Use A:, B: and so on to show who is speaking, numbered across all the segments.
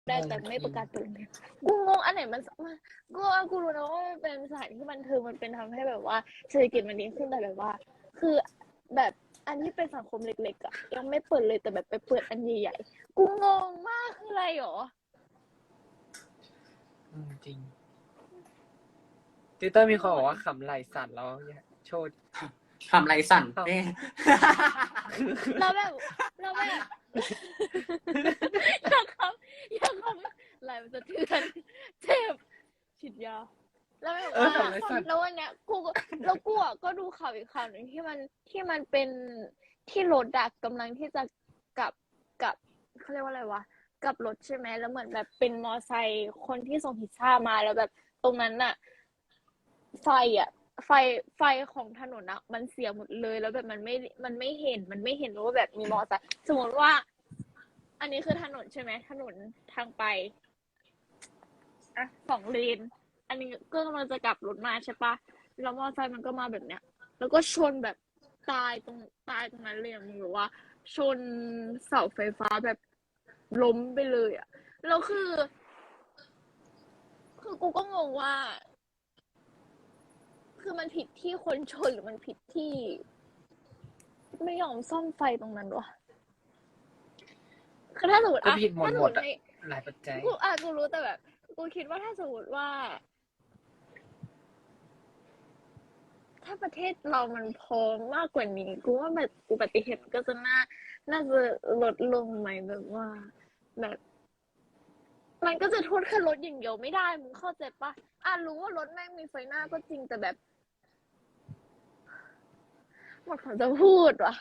A: ได้แต่ไม่ประกาศเปิดโรงเรียนกูงงอันไหนมันกูรู้นะว่ามันเป็นสถานที่บันเทิงมันเป็นทำให้แบบว่าเศรษฐกิจมันดีขึ้นแต่แบบว่า คือแบบอันที่เป็นสังคมเล็กๆอ่ะยังไม่เปิดเลยแต่แบบไปเปิดอันใหญ่ๆกูงงมากคืออะไรหรอ
B: จริงติวเตอร์มีคนบอกว่าขำไหลสั่นแล้วโชว์
C: ทำไรสั่นแม่
A: เราแบบอยากคำไหลมันจะเทือนเจ็บฉีดยาแล้วแบบว่าแล้ววันเนี้ยกูก็ดูข่าวอีกข่าวหนึ่งที่มันเป็นที่รถดักกำลังที่จะกลับเขาเรียกว่าอะไรวะกลับรถใช่ไหมแล้วเหมือนแบบเป็นมอไซค์คนที่ส่งพิซซ่ามาแล้วแบบตรงนั้นน่ะไฟของถนนอะมันเสียหมดเลยแล้วแบบมันไม่เห็นว่าแบบมีมอไซค์สมมติว่า อันนี้คือถนนใช่ไหมถนนทางไปอ่ะ2 เลนอันนี้ก็กำลังจะกลับรถมาใช่ปะแล้วมอเตอร์ไซค์มันก็มาแบบเนี้ยแล้วก็ชนแบบตายตรงนั้นเลยมึงหรือว่า ชนเสาไฟฟ้าแบบล้มไปเลยอ่ะแล้วคือกูก็งงว่า คือมันผิดที่คนชนหรือมันผิดที่ไม่ยอมซ่อมไฟตรงนั้นวะคือถ้าสมมติ
B: ก็ผิดหมดหลายปัจจัย
A: กูรู้แต่แบบกูคิดว่าถ้าสมมติว่า ถ้าประเทศเรามันพร้อมมากกว่านี้กูว่าแบบอุบัติเหตุก็จะน่าจะลดลงไหมแบบว่าแบบมันก็จะโทษแค่รถอย่างเดียวไม่ได้มึงเข้าใจปะรู้ว่ารถแม่งมีไฟหน้าก็จริงแต่แบบหมดคำจะพูดว่ะ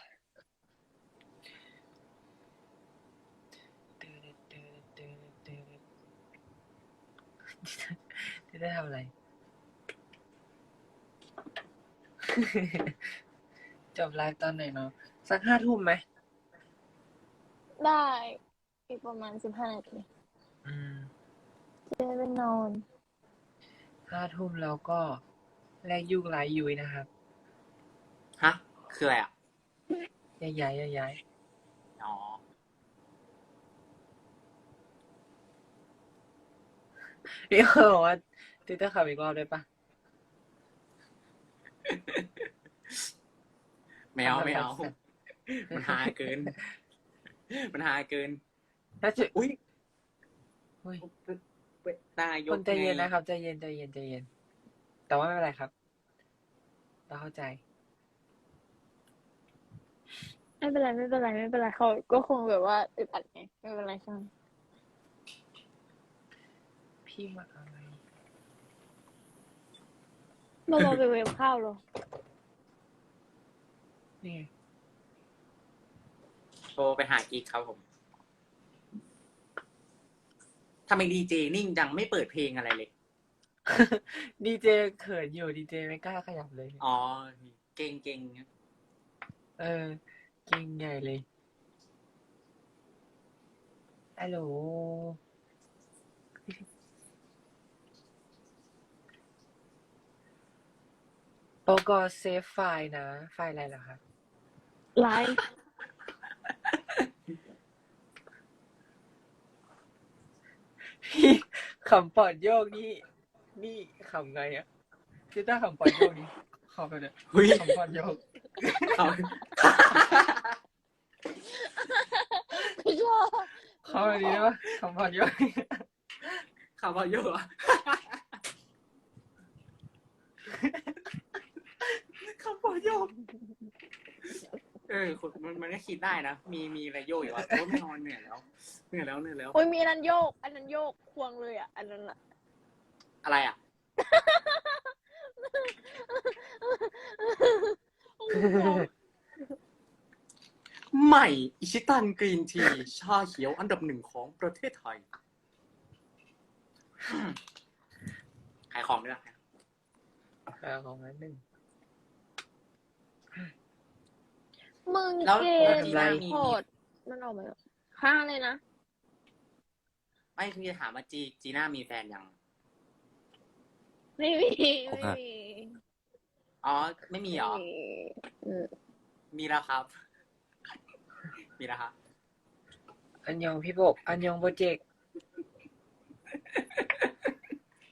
B: จะได้ทำอะไรจบไลฟ์ตอนไหนเนาะสัก5 ทุ่มไหม
A: ได้อีกประมาณ15 นาทีจะได้ไปนอน
B: 5 ทุ่มแล้วก็แลกยุกไลฟ์ยุ้ยนะครับ
C: ฮะคืออะไรอ่ะ
B: ย้าย
C: อ๋อ
B: พี่เขาบอกว่าติวเตอร์ขับอีกรอบได้ปะ
C: ไม่เอามันหาเกิน
B: ถ้าจะ
C: อุ้ย
B: อุ้ย
C: นายก
B: คนใจเย็นนะครับใจเย็นแต่ว่าไม่เป็นไรครับเราเข้าใจ
A: ไม่เป็นไรเขาก็คงแบบว่าอึดอัดไงไม่เป็นไรใช่ไหม
B: พี่มาอะไร
A: เราไปเวฟข้าวเหรอ
B: นี่ไง
C: โทรไปหาอีกครับผมทำไมดีเจนิ่งจังไม่เปิดเพลงอะไรเลย
B: ดีเจเขินอยู่ดีเจไม่กล้าขยับเลย
C: อ๋อเก่ง
B: เก่งใหญ่เลยฮัลโหลโปรกเซฟไฟล์นะไฟล์อะไรเหรอคะ
A: ไลฟ์
B: พี่ขำปอดโยกนี่ขำไงอ่ะพี่ต้าขำปอดโยกนี่ขอไปเลยขำปอดโยก
A: พี่ชอบ
B: ขอแบบนี้ได้ปะขำปอดโยก
C: ข่าวเยอะอ่ะข่าวโยกมันก็คิดได้นะมีอะไรโยกอยู่อ่ะโอ้ไม่นอนเหนื่อยแล้ว
A: โอ้ยมีอันนั้นโยกควงเลยอ่ะอันนั้นอะ
C: อะไรอ่ะใหม่อิชิตันกรีนทีชาเขียวอันดับ 1ของประเทศไทยขายของด้วยนะ
B: ของนั้นหนึ่ง
A: มึงเกมโคตรมันออกมาข้างเลยนะ
C: ไม่คือจะถามว่าจีน่ามีแฟนยัง
A: ไม่มี
C: อ๋อไม่มีเหรอมีแล้วครับมีแล้วครับ
B: อันยองพี่บกอันยองโปรเจกต์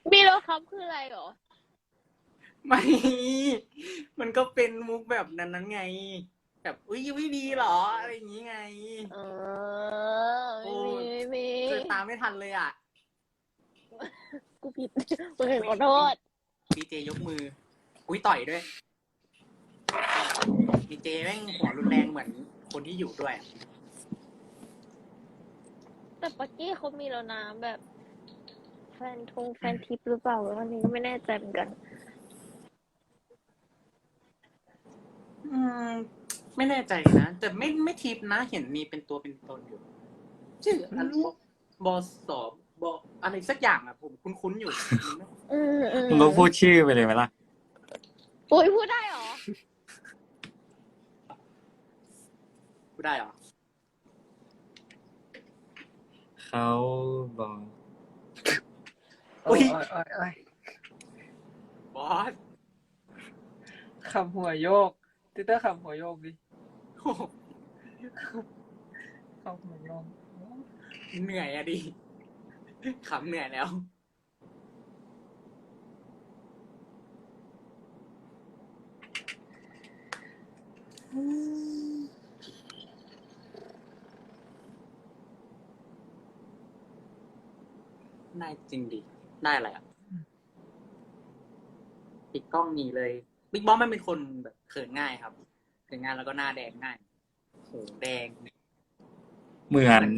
A: บีโลครับคืออะไรเหรอ
C: ไม่ มันก็เป็นมุกแบบนั้นไง แบบอุ้ยไม่ดีเหรออะไรอย่างงี้ไง
A: เออไม่มีไม่มี
C: เกิดตามไม่ทันเลยอ่ะ
A: กูผิดกูเห็นขอโทษ
C: ดีเจยกมือ อุ้ยต่อยด้วยดีเจแม่งหัวรุนแรงเหมือนคนที่อยู่ด้วยอะ
A: แต่ปักกี้เขามีแล้วนะแบบ แฟนทิปหรือเปล่าอันนี้ก็ไม่แน่ใจเหมือนกัน
C: อืม ไม่แน่ใจนะ แต่ไม่ทิปนะ เห็นมีเป็นตัวเป็นตนอยู่ ชื่ออะไรบอสอบบออะไรสักอย่างอ่ะ ผมคุ้นๆอยู่
D: มึงก็พูดชื่อไปเลยไหมล่ะ
A: อุ้ยพูดได้เหรอ
C: พูดได้เหรอ
D: เขาบอก
C: อุ๊
B: โอ้ย
C: ย
B: โอ้ย
C: บอส
B: คำหัวโยกติเตอร์คำหัวโยกดิ
C: โอ้โห
B: คำหัวโยก
C: เหนื่อยอะดิขำเหนื่อยแล้ว ได้จริงดิ ได้อะไรอ่ะ ปิดกล้องหนีเลยบิ๊กบอสมันเป็นคนแบบเขินง่ายครับเขินง่ายแล้วก็หน้าแดงง่ายโหแดง
D: เหมือน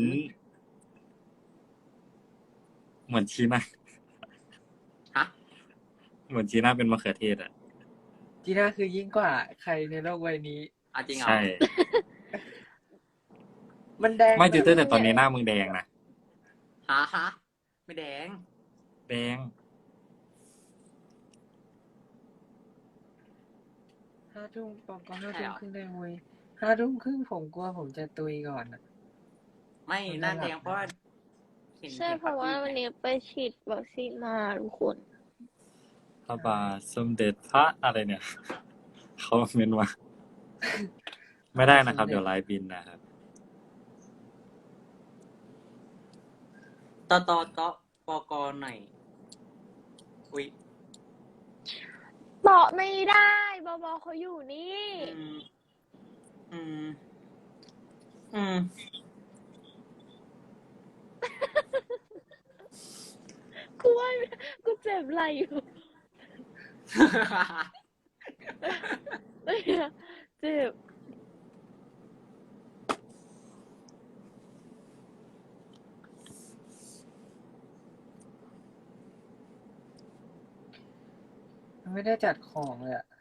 D: ชีน่า
C: ฮะ
D: เหมือนชีน่าเป็นมะเขือเทศอ่ะ
B: จีน่าคือยิ่งกว่าใครในโลกใบนี้
C: เอาจริงเหรอ
D: ใช่
B: มันแดง
D: ไม่ติวเตอร์แต่ตอนนี้หน้ามึงแดงนะ
C: ฮะไม่แดง
D: แดง
B: 5 ทุ่มบอกก็5 ทุ่มครึ่งได้เว้ย5 ทุ่มครึ่งผมกลัวผมจะตุยก่อนอ่ะ
C: ไม่หน้าแดงเพราะว่าเห็น
A: ใช่เพราะว่าวันนี้ไปฉีดวัคซีนมาทุกคน
D: พระบาทสมเด็จพระอะไรเนี่ย เขาเมนว่า ไม่ได้นะครับ เดี๋ยวไลฟ์บินนะครับ
C: ตปกหน่อยอุ้ย
A: บอกไม่ได้บอบอเขาอยู่นี่
C: อืม อืม
A: กูว่ากูเจ็บไหล่อยู่เจ็บ
B: ไม่ได้จัดของเลยอ่ะ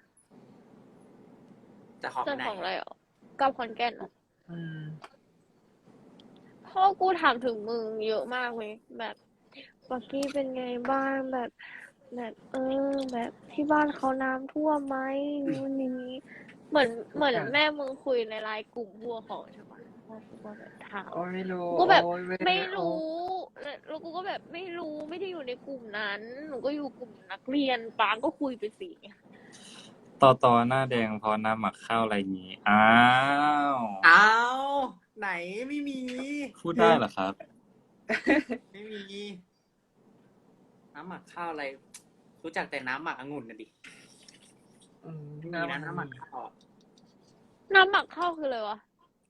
C: จะขอไป
A: เจ้า
C: ไหน
A: ของอะไรเหรอกลับขอนแก่นเหรอ
B: อืม
A: พ่อกูถามถึงมึงเยอะมากเลยแบบปักกี้เป็นไงบ้างแบบแบบที่บ้านเขาน้ำท่วมไหมนู่นนี่เหมือนแม่มึงคุยในไลน์กลุ่มพวกเขาใช่ปะพ่อกูก็แบบถาม
B: โอ้ยไม่รู้
A: กูแบบ
B: โอ้ย
A: ไม่รู้แล้วกูก็แบบไม่รู้ไม่ได้อยู่ในกลุ่มนั้น หนูก็อยู่กลุ่มนักเรียนปางก็คุยไปสิ
D: ต่อหน้าแดงเพราะน้ำหมักข้าวอะไรอย่างงี้ อ้าว
C: อ้าวไหนไม่มี
D: พูดได้เหรอครับ
C: ไม่มี น้ำหมักข้าวอะไร รู้จักแต่น้ำหมักองุ่นนะดิ
B: อืม
C: ไม่มีนะน้ำหมักข้าวอะ
A: น้ำหมักข้าวคืออะไรวะ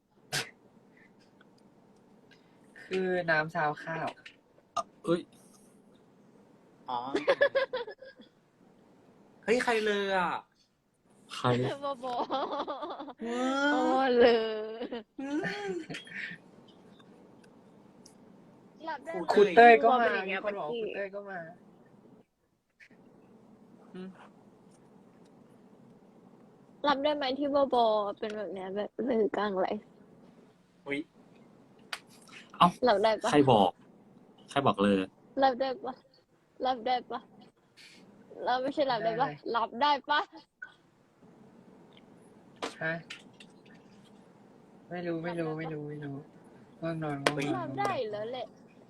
B: คือน้ำซาวข้าว
D: เอ้ย
C: อ๋อ เฮ้ยใครเลยอ่ะ
D: ใคร
A: บอบอ
C: เอ
A: โอ้
C: อ
A: เลยหลับได้ไหม
B: คุณเต้ยก็
A: บอ
B: มา
A: เป็นอย่าง
B: มี
A: เงี้ย
B: คนบอก
A: เมื่อกี้
B: คุณเต้ยก็มา
A: รับได้ไหมที่บอบอเป็นแบบเนี้ยแบบลือกลางไร
C: อุ้ย
D: เอ้า
A: รับได้ปะ
D: ใครบอก ใครบอกเลย
A: รับได้ปะรับได้ปะเราไม่ใช่รับได้ปะ
B: ได้
A: รับได้ปะ
B: ฮะ ไม่รู้ง่วงนอนง่วงนอน
A: รับได้แล้วแหละ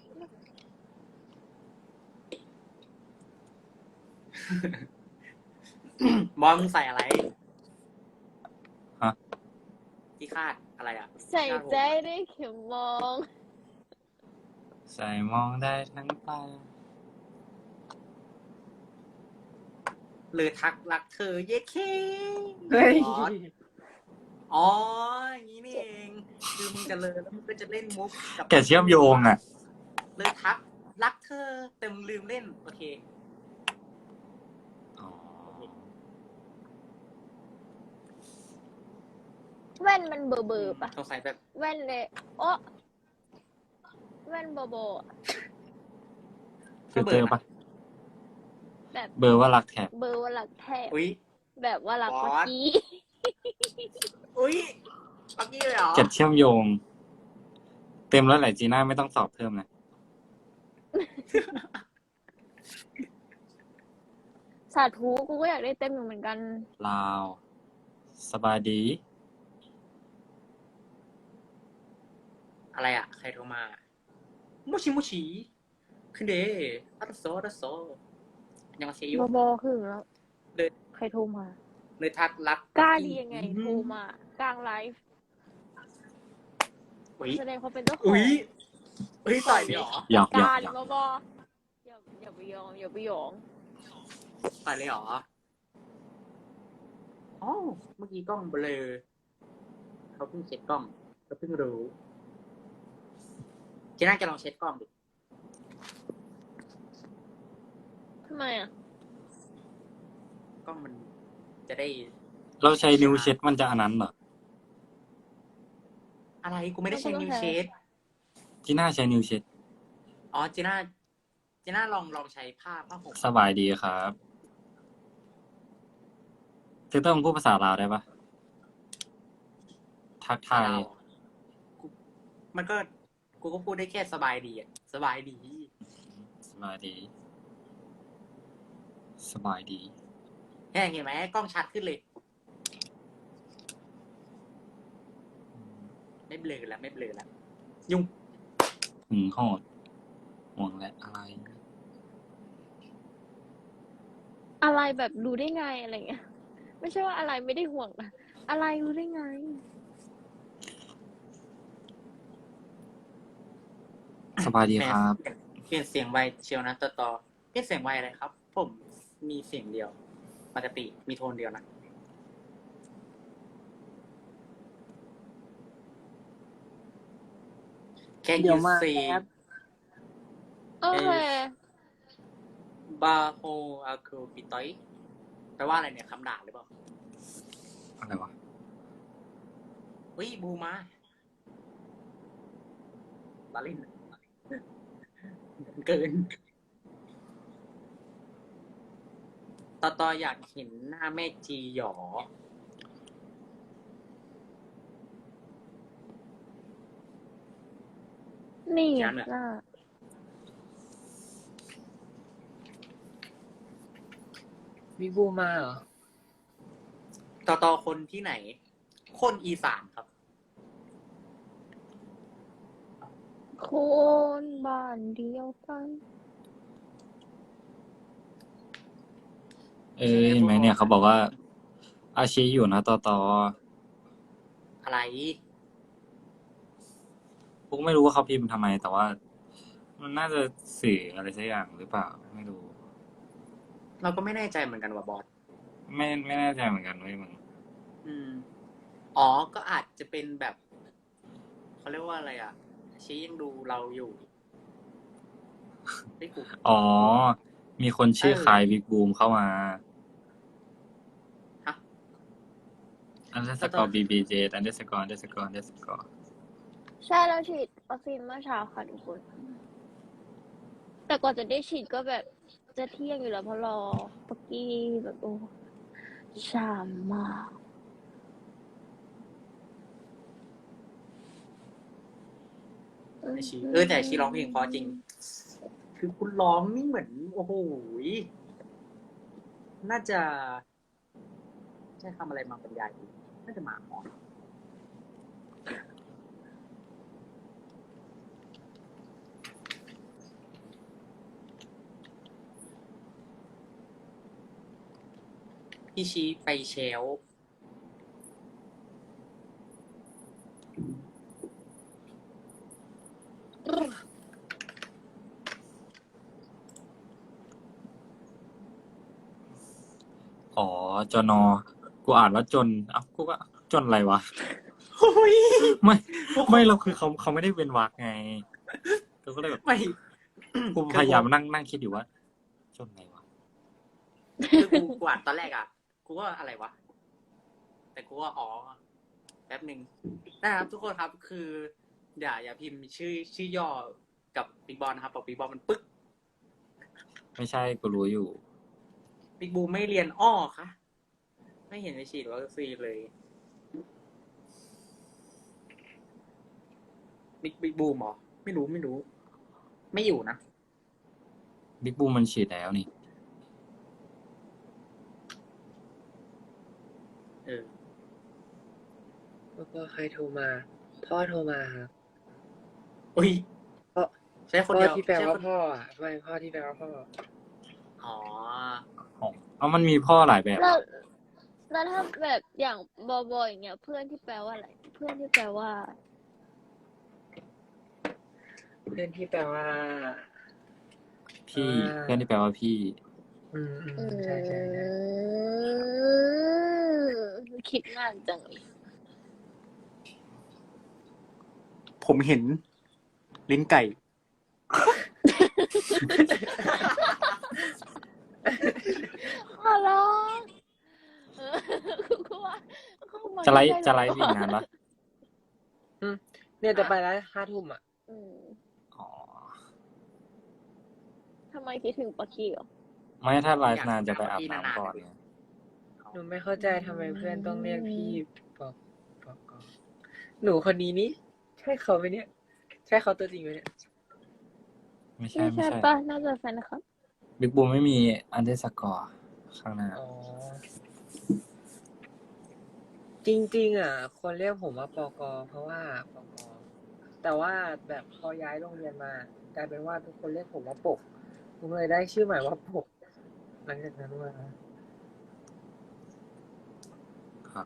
C: บอลมึงใส่อะไร
D: ฮะ
C: ที่คาดอะไรอ่ะ
A: ใส่ใจได้เข็มมอง
D: ใส่มองได้ทั้งตา
C: เลยทักรักเธอเย้เค
B: เฮ้ย
C: บอสอ๋ออย่างนี้นี่เองคือมึงจะเลยแล้วมึงก็จะเล่นมุกกับ
D: แกเชื่อมโยงอ่ะ
C: เลยทักรักเธอแต่มึงลืมเล่นโอเค
D: อ๋อ
A: แว่นมันเบอร์ปะ
C: สงสัยแบบ
A: แว่นเลยโอ้แว่นโบอะ
D: ฟิลเตอร์ปะ
A: แบบ
D: เบอร์ว่ารักแท็บ
A: เบอร์ว่าหลักแทบ
C: อุ้ย
A: แบบว่าหลัก
C: บอส
A: เมื่อกี้
C: อุ้ยปักกี้เลยเหรอ
D: เก็บเชื่อมโยง เต็มแล้วแหละจีน่าไม่ต้องสอบเพิ่มนะ
A: สาธุกูก็อยากได้เต็มอยู่เหมือนกัน
D: ลาว สบายดี
C: อะไรอ่ะ ใครโทรมามูชิมูชิคือเดอัตโซอัตโซยังมาเชีย
A: บ
C: ร์
A: บคือแล้ว
C: เลย
A: ใครโทรมา
C: เลยทักรัก
A: กล้าดียังไงโทรมากลางไลฟ์
C: อุ้ย
A: แสดงความเป็นเจ้าของ
C: อุ้ยอุ้ยต่อยเลยเหรอ
D: หยอกหยอก
A: การ
D: หยอก
A: บอย่าไปยอมอย่าไปหยอง
C: ต่อยเลยเหรออ๋อเมื่อกี้กล้องเบลอเขาเพิ่งเช็ดกล้องเขาเพิ่งรู้เจน่าจะลองเช็ดกล้องดิ
A: ทำไมอ่ะ
C: กล้องมันจะได้
D: เราใช้นิ้วเช็ดมันจะอันนั้นเหรอ
C: อะไรกูไม่ได้ใช้นิ้วเช็ด
D: จีน่าใช้นิ้วเช็ด
C: อ๋อเจน่าลองใช้ผ้าห่ม
D: สบายดีครับเธอต้องพูดภาษาลาวได้ปะทักทาย
C: เรากูมันก็กูก็พูดได้แค่สบายดีอ่ะสบายดี
D: สบายดี สบายดี
C: เห็นไหมกล้องชัดขึ้นเลย ไม่เบลอแล้วไม่เบลอแล้วยุ่ง
D: หึงโหดห่วงและอะไร
A: อะไรแบบรู้ได้ไงอะไรเงี้ย ไม่ใช่ว่าอะไรไม่ได้ห่วงนะอะไรรู้ได้ไง
D: สบายดีครับ
C: เปลี่ยนเสียงไวเชียวนะต่อเปลี่ยนเสียงไวอะไรครับ ผมมีเสียงเดียวปกติมีโทนเดียวนะ Can
B: เดี๋ย
C: you
B: วมา
C: say
B: แอป
A: โอเค
C: บาโฮอาคูปิตอยแปลว่าอะไรเนี่ยคำด่าหรือเปล่า
D: อะไรวะ
C: อุ้ยบูมาบาลินเกินต่ออยากเห็นหน้าแม่จีหยอ
A: นี่
C: งั้นอะ
A: น่ะ
B: มีบูมาเหรอ
C: ต่อคนที่ไหน คนอีสานครับ
A: คนบ้านเดียวกัน
D: เห็นไหมเนี่ยเขาบอกว่า อาชีอยู่นะต่อ
C: อะไร
D: พวกไม่รู้ว่าเขาพิมพ์ทำไม แต่ว่า มันน่าจะสื่ออะไรสักอย่างหรือเปล่า ไม่รู้
C: เราก็ไม่แน่ใจเหมือนกันว่าบอส
D: ไม่แน่ใจเหมือนกันเว้ยมึง
C: อ๋อ ก็อาจจะเป็นแบบเขาเรียกว่าอะไรอ่ะ ชี้ยังดูเราอยู่ไม่กู
D: อ๋อ มีคนชื่อคายบิ๊กบูมเข้ามา
C: ฮะ
D: underscore bbj underscore
A: ใช่แล้วฉีดวัคซีนเมื่อเช้าค่ะทุกคน แต่ก่อนจะได้ฉีดก็แบบจะเที่ยงอยู่แล้วเพราะรอปักกี้แบบโอ้ช้ามาก
C: ไอชีแต่ไอ้ชีร้องเพลงเพราะจริง คือคุณร้องนี่เหมือน โอ้โหยน่าจะใช้คำอะไรมาบรรยายดีน่าจะหมาหอนพี่ชีไปเชลฟ์
D: อ๋อจนอกูอ่านว่าจนเอ้ากูก็จนอะไรวะ
C: โอ้ย
D: ไม่เราคือเขาไม่ได้เป็นวรรคไงกูก็เลยแบบ
C: ไม่
D: กูพยายามนั่งคิดอยู่ว่า จนไงวะ
C: คือกูอ่านตอนแรกอ่ะกูว่าอะไรวะแต่กูว่าอ๋อแป๊บหนึ่งนะครับทุกคนครับคืออย่าพิมพ์ชื่อย่อกับบิ๊กบอลนะครับบอกบิ๊กบอลมันปึ๊ก
D: ไม่ใช่กูรู้อยู่
C: บิ๊กบูมไม่เรียนอ้อคะไม่เห็นไปฉีดวัคซีนเลยบิ๊กบูมเหรอไม่รู้ไม่อยู่นะ
D: บิ๊กบูมมันฉีดแล้วนี่
C: เออ
B: แล้วก็ใครโทรมา พ่อโทรมาครับ
C: อุ้ย
B: พ่อ
C: ใช่คน
B: พ่อ
C: เดียว
B: ที่แปล
C: ใช่
B: ว่า
C: คน
B: พ่ออ่ะไม่พ่อที่แปลว่าพ่อ
C: อ๋อ
D: เอามันมีพ่อหลายแบบ
A: แล้วถ้าแบบอย่างบอบอยอย่างเงี้ยเพื่อนที่แปลว่าอะไร เพื่อนที่แปลว่า
B: เพื่อนที่แปลว่า
D: พี่
B: อ่า
D: เพื่อนที่แปลว่าพี่
B: ใช่ใช่ใช่
A: คิดนานจังเลย
C: ผมเห็น ลิ้นไก่
A: ขอร้องกูว่าเข้ามา
D: จะไลฟ์
A: ใกล้ๆ
D: จะไลฟ์อีกนานปะ
B: เนี่ยจะไปแล้ว5 ทุ่มอ่ะ
A: อืม
D: อ๋อ
A: ทำไมคิดถึงปะกี้เหรอ
D: ไม่ถ้าไลฟ์นานจะไปอาบน้ำก่อนไง
B: หนูไม่เข้าใจทำไมเพื่อนต้องเรียกพี่ปอกหนูคนนี้นี่ใช่เขาไหมเนี่ย ใช่เขาตัวจริงไหมเนี่ย
D: ไม่ใช่
A: ไม่
D: ไม่
A: ใช่
D: ใช่
A: ปะน่าจะแฟนนะครับ
D: บิ๊กบูมไม่มีอันเดอร์สกอร์ข้างหน้า
B: อ๋อ จริงๆอ่ะ คนเรียกผมว่าปกเพราะว่าปกแต่ว่าแบบพอย้ายโรงเรียนมากลายเป็นว่าทุกคนเรียกผมว่าปกผมเลยได้ชื่อใหม่ว่าปกหลังจากนั้นมา
D: ครับ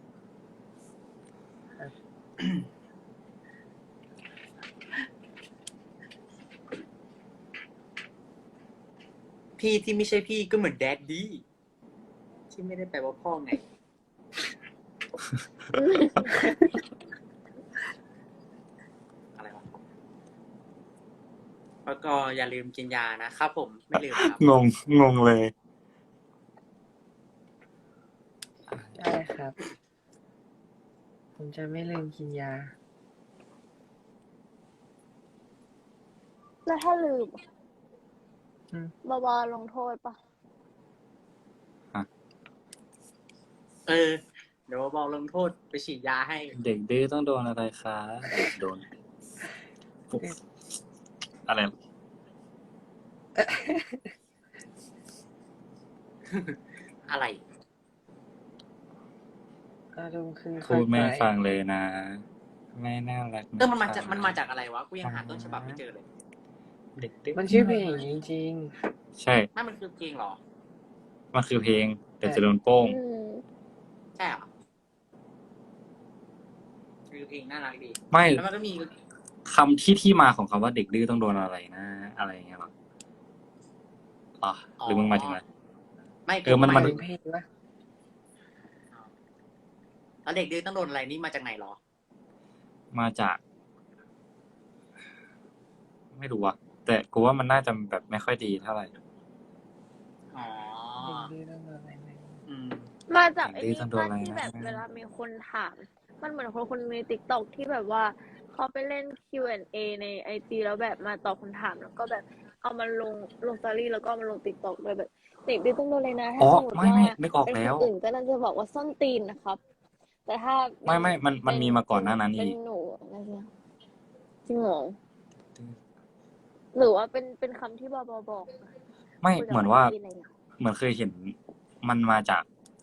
C: พี่ที่ไม่ใช่พี่ก็เหมือนแดดดี้ที่ไม่ได้แปลว่าพ่อไง อะไรวะแล้วก็อย่าลืมกินยานะครับผมไม่ลืมครับ
D: งงเลย
B: ได้ครับ ผมจะไม่ลืมกินยา
A: แล้วถ้าลืม
B: อืม
A: บาลงโทษปะ
C: เออ เดี๋ยวบอกลงโทษไปฉีดยาให้
D: เด็กดื้อต้องโดนอะไรคะโดนปุ๊บอะไร
C: อะไร
B: อารมณ์คือ
D: พูดไม่
B: ค่อยๆ
D: ฟังเลยนะ ไม่น่ารักะ
C: มันมาจากอะไรวะ กูยังหาต้นฉบับไม่เจอเลย
D: เด็กดื้อ
B: มันชื่อเพลงจริง
D: ใช่
C: ไม่มันคือเพลงเหรอ
D: มันคือเพลงแต่จะโดนโป้ง
A: อืม
C: ใช่เหรอคือเพลงน่ารักดี
D: ไม่
C: แล้วมันก็มี
D: คำที่มาของคำว่าเด็กดื้อต้องโดนอะไรนะ อะไรอย่างเงี้ยหรออ๋อหรือมึงหมายถึงอะไร
C: ไม่
D: เออมัน
B: ๆเป็นเพลงวะ
C: แล้วเด็กดื้อต้องโดนอะไรนี่มาจากไหนเหรอ
D: มาจาก ไม่รู้อะแต่กูว่ามันน่าจะแบบไม่ค่อยดีเท่าไหร่
C: อ๋อ
B: เพลงต้องอะไรไหม
C: อืม
A: มาจากไอ้
D: ดื้อ
A: นี่
D: ต้องโดน
A: ป้า
D: อะไร
A: ที่
D: นะ
A: แบบเวลามีคนถาม มันเหมือนคนในติ๊กต็อกที่แบบว่าเขาไปเล่น Q&A ในไอจีแล้วแบบมาตอบคำถามแล้วก็แบบเอามาลงสตอรี่แล้วก็เอามาลงติ๊กต็อกเลยแบบเด็กดื้อต้องโดนเลยนะถ้า
D: อ๋อ
A: สมมติ
D: ไม่
A: ว่า
D: นึกออก
A: เป็น
D: แล้
A: ค
D: ว
A: นอื่นก็น่าจะบอกว่าส้นตีนนะครับ แต่ถ้า
D: ไม่มันมีมาก่อนหน้านั้น
A: เป็
D: อี
A: น
D: ก
A: หนูอะไรเงี้ยจริงเหรอหรือว่าเป็นคำที่บอบอกนะ
D: ไม่
A: คุยกับ
D: เหมือนว่า
A: พี่อะไรเงี้ย
D: เหมือนเคยเห็นมันมาจาก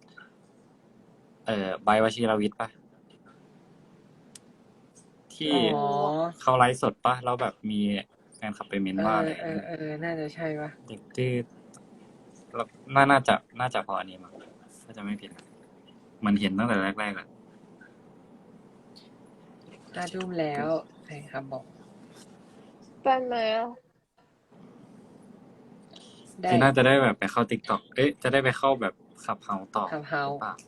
D: ใบวชิรวิทย์ปะที่
B: อ๋อ
D: เขาไลฟ์สดปะแล้วแบบมีแฟนคลับไปเม้นว่าอะไร
B: น่าจะใช่ปะ
D: เด็กดื้อแล้วน่าจะพออันนี้มั้งถ้าจะไม่ผิดนะมันเห็นตั้งแต่แรกๆแหละ
B: 5 ทุ่มแล้วใครครับบอก
A: เป็นไหมอะ
B: ได้
D: ที่น่าจะได้แบบไปเข้า TikTok จะได้ไปเข้าแบบขับเฮาต่อ
B: ขับเฮา
D: หรือเปล่า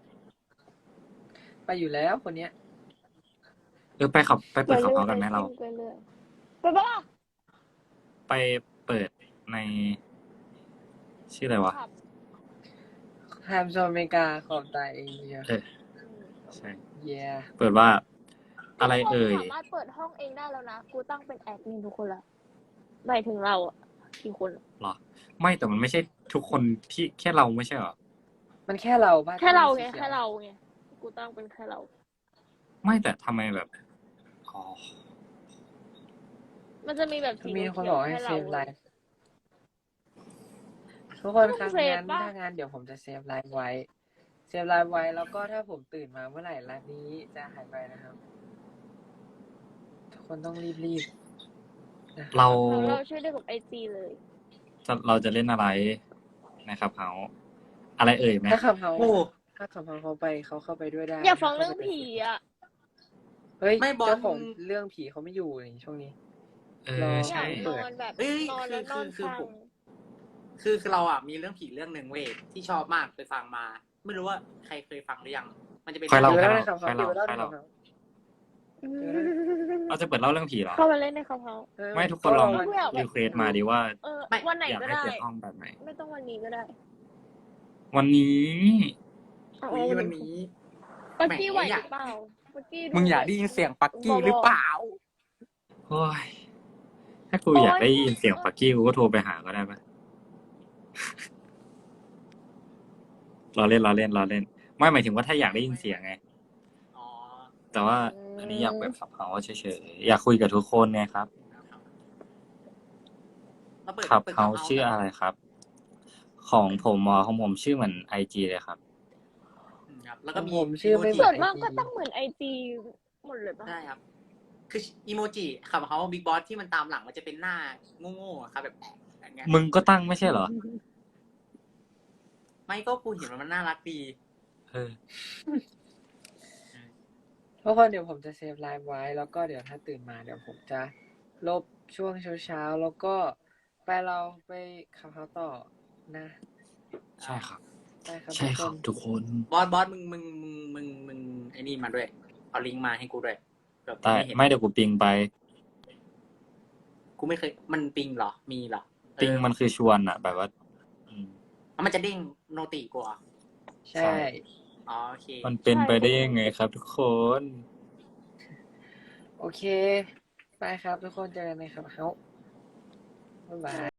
B: ไปอยู่แล้วคนเนี้ย
D: ไปเปิดขับเฮากันไหมเรา
A: ไปเรื่อยไปปะล่ะ
D: ไปเปิดใน ชื่ออะไรวะ
A: ขับ
B: ไทม์โซนอเมริกาขอบตายเอเชีย
D: เออ ใช่
B: เย่
D: เปิดว่า อะไรเอ่ย
A: สามารถเปิดห้องเองได้แล้วนะ กูตั้งเป็นแอดมินทุกคนละหมายถึงเราอะกี่คน
D: หรอ ไม่แต่มันไม่ใช่ทุกคนที่แค่เราไม่ใช่หรอ
B: มันแค่เราบ้า
A: แค่เราไง
B: ที่
A: แค่เราไง กูตั้งเป็นแค่เรา
D: ไม่แต่ทำไมแบบ อ๋อ
A: มันจะมีแบบสี
B: มีคน
A: เขี
B: บ
A: ยว
B: อก
A: ๆ
B: ให้
A: ให้
B: เซ
A: เรา
B: ฟไลฟ์ทุกคนครับ
A: เซฟ
B: งั้น
A: ปะ
B: ถ้างั้นเดี๋ยวผมจะเซฟไลฟ์ไว้ เซฟไลฟ์ไว้แล้วก็ถ้าผมตื่นมาเมื่อไหร่ไลฟ์นี้จะหายไปนะครับ ทุกคนต้องรีบๆนะครับ
D: เรา
A: เราช่วยได้กับไอจีเลย
D: เราจะเล่นอะไรนะครับเฮาอะไรเอ่ยไหม
B: ถ้าขับเฮา
C: โอ้
B: ถ้าขับเฮาเขาเข้าไปด้วยได้
A: อยากฟังเรื่องผีอะ
B: เฮ้ย
C: ไม่บอล
B: เจ้าของเรื่องผีเขาไม่อยู่ในช่วงนี้
D: เอ
B: ร
D: อ
B: อ
A: อยา
D: ใช่
A: กนอนแบบ
C: เอ้ย
A: นอนแล้วนอน
C: คือ
A: ฟัง
C: คือเราอ่ะมีเรื่องผีเรื่องหนึ่งเว้ยที่ชอบมากไปฟังมา ไม่รู้ว่าใครเคยฟังหรือยัง มันจะเป็น
D: ค่อยเล่า
B: เดี๋ยว
D: ค่อย
B: เล่า
D: เล่า
B: ในขับเฮา
D: ค่อย
B: เดี๋
D: เล่า
B: ยวเล่าใน
D: ค่อย
B: ขั
D: เล่า
B: บเฮา
D: เราจะเปิดเล่าเรื่องผีเหรอ
A: เข้ามาเล่นในคับเฮา
B: เออ
D: ไม่ทุกคนลอง
B: ก็
D: รีเควสมาดีว่า
A: วันไหน
D: อยาก
A: ก็
D: ให้
A: ได้
D: เปิดห้องแบบไหน
A: ไม่ต้องวันนี้ก็ได้
D: วันนี้
A: เอา
C: อุ๊ย
A: เอา
C: วันนี้
A: ปักกี้ไหว
C: แหม
A: หรือเปล่าปักกี้
C: มึงอยากได้ยินเสียงปักกี้หรือเปล่า
D: โอ้ย ถ้ากูอยากได้ยินเสียงปักกี้กูก็โทรไปหาก็ได้ปะ เราเล่น ไม่หมายถึงว่าถ้าอยากได้ยินเสียงไง
C: อ๋อ
D: แต่ว่าอันนี้อยากแบบขับเฮาเฉยๆ อยากคุยกับทุกคนไงครับ
C: แล้วเปิด
D: ขับ
C: ปิด
D: เฮาชื่ออะไรครับ ของผมชื่อเหมือนIG เลยครับ
C: ครับ แล้วก็มี
B: ผมชื่อไม่เหมื
A: ส่
B: อ
A: วนมากก็ต้องเหมือนไอจีหมดเลยปะ
C: ได้ครับ คืออีโมจิขับเขาบิ๊กบอสที่มันตามหลังมันจะเป็นหน้าโง่ๆอะครับแบบอย่างเงี้ย
D: มึงก็ตั้งไม่ใช่เหรอ
C: ไม่ก็กูเห็นมันน่ารักดี
D: เออ
B: ทุกคนเดี๋ยวผมจะเซฟไลฟ์ไว้ แล้วก็เดี๋ยวถ้าตื่นมาเดี๋ยวผมจะลบช่วงเช้าๆแล้วก็เราไปขับเฮาต่อนะ
D: ใช่ครับ
B: ได้ครับ
D: ใช่ครับ
B: ทุกน
D: ทุกคน
C: บอสมึงไอ้นี่มาด้วย เอาลิงก์มาให้กูด้วยแบบ
D: ได้
C: เห็น
D: ไม่เดี๋ยวกูปิงไป
C: กูไม่เคย มันปิงเหรอ มีเหรอ
D: ปิงมันคือชวนอะแบบว่า อืม
C: มันจะเด้งโนติกูเหรอ
B: ใช่
C: อ๋อโอเค
D: มันเป็นไปได้ยังไงครับ ทุกคน
B: โอเค ไปครับทุกคนเจอกันในขับเฮาบ๊ายบาย